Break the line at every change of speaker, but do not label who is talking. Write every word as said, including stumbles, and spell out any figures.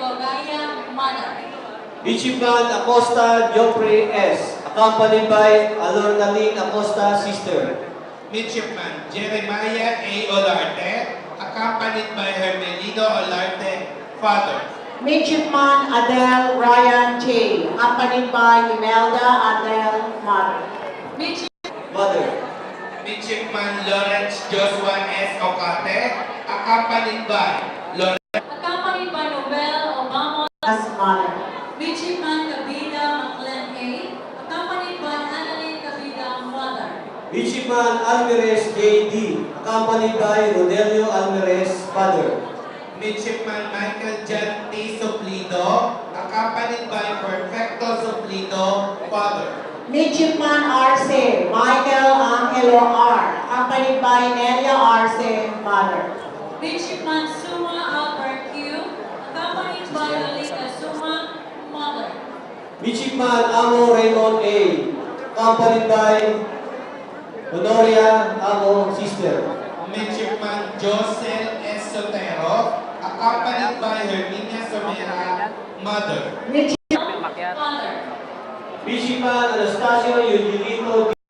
Gogaya, mother.
Midshipman Acosta Joffrey S., accompanied by Alornalyn Acosta, sister.
Midshipman Jeremiah A. Olarte, accompanied by Hermelino Olarte, father.
Midshipman Adele Ryan J., accompanied by Imelda Adele, mother.
Mother.
Midshipman Lawrence Joshua S. Ocate, accompanied by Lawrence.
Accompanied by Nobel Obama.
As mother.
Midshipman Kabida Maclen A. Accompanied by Annalyn Kabida, mother.
Midshipman Alvarez J D, accompanied by Rodelio Alvarez, father.
Midshipman Michael John T. Suplido, accompanied by Perfecto Suplido, father.
Midshipman Arce Michael Angelo R., accompanied by Nelia Arce, mother.
Midshipman Suma Albert Q. Accompanied by Lolita Suma, mother.
Midshipman Amo Raymond A., accompanied by Honoria Amo, sister.
Midshipman Josel S. Sotero, accompanied by Herminia Somera, mother.
Midshipman
Father.
Midshipman Anastasio Eugenito